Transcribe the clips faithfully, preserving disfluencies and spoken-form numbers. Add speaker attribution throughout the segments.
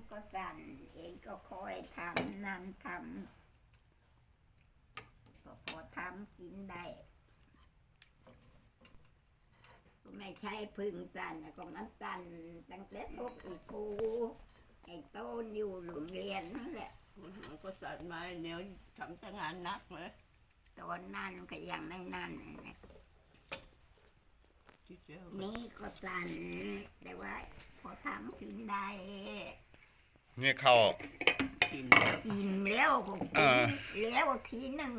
Speaker 1: ก็สั่นเองก็คอยทำนั่นทำก็พอทำกินได้ก็ไม่ใช่พึ่งสั่นก็มันสั่นตั้งแต่พวกอีปูไอ้ต้นอยู่โรงเรียนนั่นแหละ
Speaker 2: มันก็สั่นมาเดี๋ยวทำแต่งานหนักเลย
Speaker 1: ตอนนั้นก็ยังไม่นั่นนะนี่ก็สั่นแต่ว่าพอทำกินได้
Speaker 3: นี่เข้า
Speaker 2: กินแล้ว
Speaker 1: กินแล้วก็กินแล้วทีหนึ่ง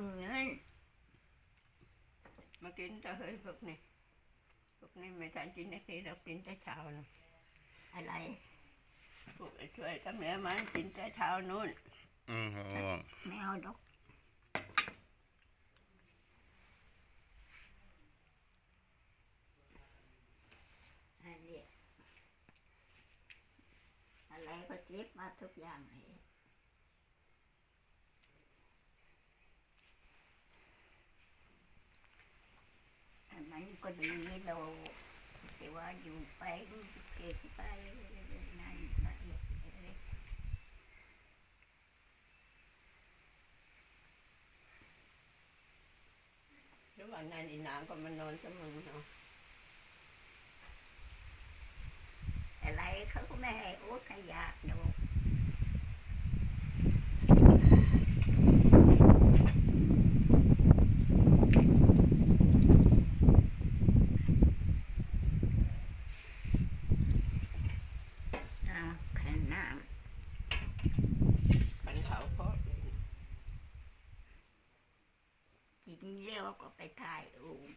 Speaker 2: มากินแต่เฮ้ยพวกนี้พวกนี้ไม่ทันกินนาทีเรากินแต่เช้านะ
Speaker 1: อะไร
Speaker 2: พวกไอ้ช่วยกับแม่มันกินแต่เช้านู่น
Speaker 3: อืม
Speaker 1: ไม่เอาดอกอะไรก็เก็บมาทุกอย่างเลยอันนั้นก็ดีเราแต่ว่าอยู่ไปเก็บไปนั่นไป
Speaker 2: แล้ววันนั้นอีนางก็มานอนเสมอเนาะ
Speaker 1: อะไรเขาก็ไม่ให้โอ๊ตขยะดูขันน้
Speaker 2: ขันเขาเพราะ
Speaker 1: กินเลี้ยวก็ไปถ่ายอู่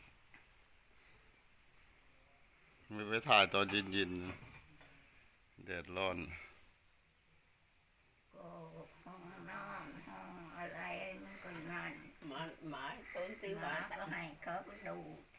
Speaker 3: ไม่ไปถ่ายตอนเย็นๆแดดร้อน
Speaker 1: ก็ห้องนอนห้องอะไรมันก็นั่น
Speaker 2: หมาหมาต้นตี
Speaker 1: หมา
Speaker 2: บา
Speaker 1: ก็ให้เขาดู